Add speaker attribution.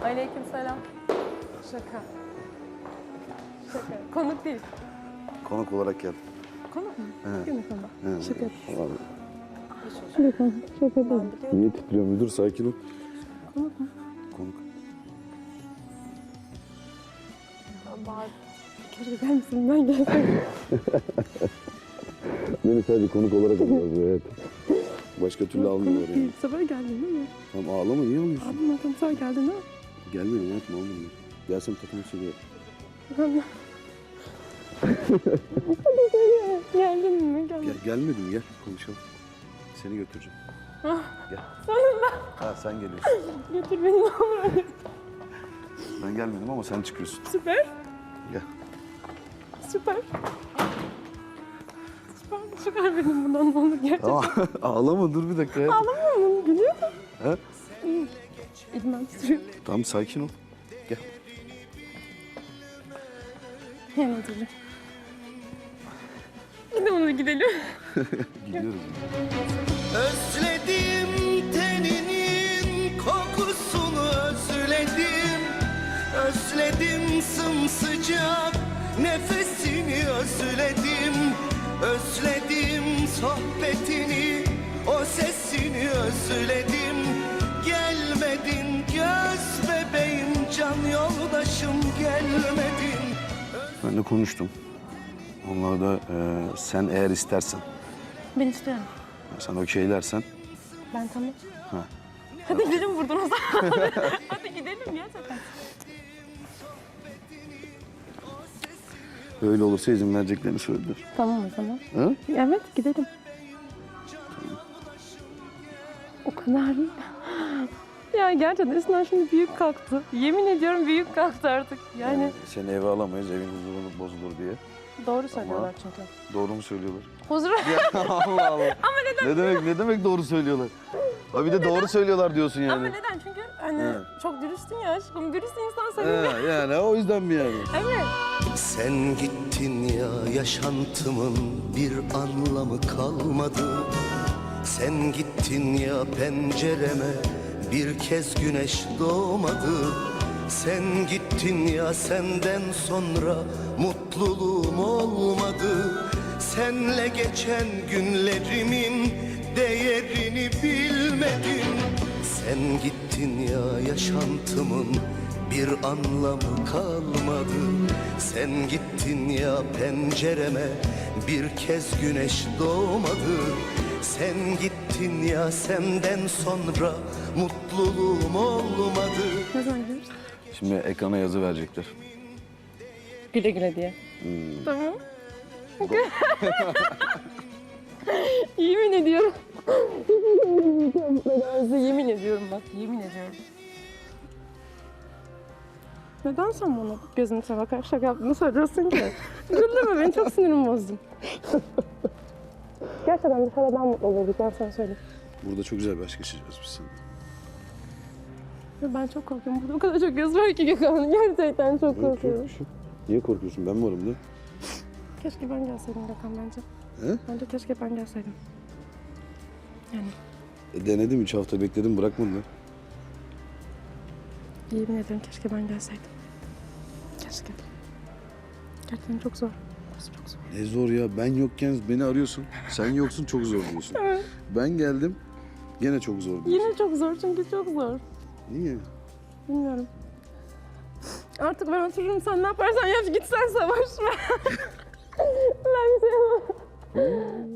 Speaker 1: Aleykümselam. Şaka. Şaka. Konuk değil.
Speaker 2: Konuk olarak gel.
Speaker 1: Konuk mu?
Speaker 2: Evet.
Speaker 1: Konuk ama.
Speaker 2: Evet.
Speaker 1: Şaka.
Speaker 2: Abi.
Speaker 1: Şaka. Şaka değil.
Speaker 2: Niye titriyor müdür? Sakin ol.
Speaker 1: Konuk mu?
Speaker 2: Konuk.
Speaker 1: Bağır. Keşke der misin? Ben gelseydim.
Speaker 2: Beni sadece konuk olarak alıyorlar bu hayatım. Başka türlü almıyorlar yani.
Speaker 1: Bu sefer geldin değil mi?
Speaker 2: Tamam ağlama, niye ağlıyorsun?
Speaker 1: Abim adam sen geldin değil mi?
Speaker 2: Gelmedim hayatım, almadım. Gelsem takımı söylüyor.
Speaker 1: Hadi söyle. Geldin mi? Geldin.
Speaker 2: Gelmedim, gel konuşalım. Seni götüreceğim. Gel.
Speaker 1: Sonunda.
Speaker 2: Ha sen geliyorsun.
Speaker 1: Götür beni ne olur hadi.
Speaker 2: Ben gelmedim ama sen çıkıyorsun.
Speaker 1: Süper.
Speaker 2: Gel.
Speaker 1: Süper. Süper. Çıkar beni buradan ne olur gerçekten.
Speaker 2: Tamam ağlama, dur bir dakika hayatım.
Speaker 1: Ağlamıyor mu? Gülüyor mu?
Speaker 2: He?
Speaker 1: İyi. İdman titriyor.
Speaker 2: Tamam sakin ol. Gel.
Speaker 1: Hemen gidelim. Gidelim gidelim.
Speaker 2: Gidiyoruz.
Speaker 3: Özledim teninin kokusunu özledim. Özledim sımsıcak nefesini özledim. Özledim sohbetini, o sesini özledim. Gelmedin göz bebeğim, can yoldaşım gelmedin.
Speaker 2: Ben de konuştum. Onlar da sen eğer istersen,
Speaker 1: Ben istiyorum.
Speaker 2: sen okeylersen.
Speaker 1: Ben tamam.
Speaker 2: Ha.
Speaker 1: Hadi gidelim buradan o zaman. Hadi gidelim ya zaten.
Speaker 2: Öyle olursa izin vereceklerini söylediler.
Speaker 1: Tamam o zaman.
Speaker 2: Ha?
Speaker 1: Evet gidelim. O kadar. Ya gerçekten üstünden şimdi büyük kalktı. Yemin ediyorum büyük kalktı artık. Yani
Speaker 2: Seni eve alamayız, evin huzuru bozulur diye.
Speaker 1: doğru söylüyorlar çünkü.
Speaker 2: Doğru mu söylüyorlar?
Speaker 1: Huzur.
Speaker 2: Ya Allah Allah.
Speaker 1: Ama neden?
Speaker 2: Ne demek doğru söylüyorlar? Ha bir de doğru söylüyorlar diyorsun yani.
Speaker 1: Ama neden? Çünkü hani
Speaker 2: He.
Speaker 1: çok dürüstsün ya aşkım. Dürüst insan seviyor.
Speaker 2: He, yani o yüzden mi yani?
Speaker 1: Evet.
Speaker 3: Sen gittin ya, yaşantımın bir anlamı kalmadı. Sen gittin ya, pencereme bir kez güneş doğmadı. Sen gittin ya, senden sonra mutluluğum olmadı. Senle geçen günlerimin değerini bilmedim. Sen gittin ya, yaşantımın bir anlamı kalmadı. Sen gittin ya, pencereme bir kez güneş doğmadı. Sen gittin ya, senden sonra mutluluğum olmadı.
Speaker 1: Ne zaman gidiyoruz?
Speaker 2: Şimdi ekrana yazı verecekler.
Speaker 1: Güle güle diye. Tamam. Yemin ediyorum. Yemin ediyorum bak. Yemin ediyorum. Neden sen bana gözümüze bakarak şaka yaptığını söylüyorsun ki? Güldürme beni, çok sinirimi bozdun. Gerçekten dışarıda daha mutlu olurduk, ben sana söyleyeyim.
Speaker 2: Burada çok güzel bir aşk yaşayacağız biz seninle.
Speaker 1: Ya ben çok korkuyorum. Burada o kadar çok göz var ki Gökhan. Gerçekten çok korkuyorum.
Speaker 2: Niye korkuyorsun? Ben varım da.
Speaker 1: Keşke ben gelseydim Gökhan bence.
Speaker 2: He?
Speaker 1: Bence keşke ben gelseydim. Yani
Speaker 2: Denedim, 3 hafta bekledim, bırakmadılar.
Speaker 1: yemin ederim keşke ben gelseydim. Keşke. Gerçekten çok zor. Burası çok zor.
Speaker 2: Ne zor ya, ben yokken beni arıyorsun. Sen yoksun, çok zor diyorsun.
Speaker 1: Evet.
Speaker 2: Ben geldim, gene çok zor diyorsun.
Speaker 1: Yine çok zor çünkü çok zor.
Speaker 2: Niye?
Speaker 1: Bilmiyorum. Artık ben otururum, sen ne yaparsan yap, git sen savaşma. Ben bir şey yapamam.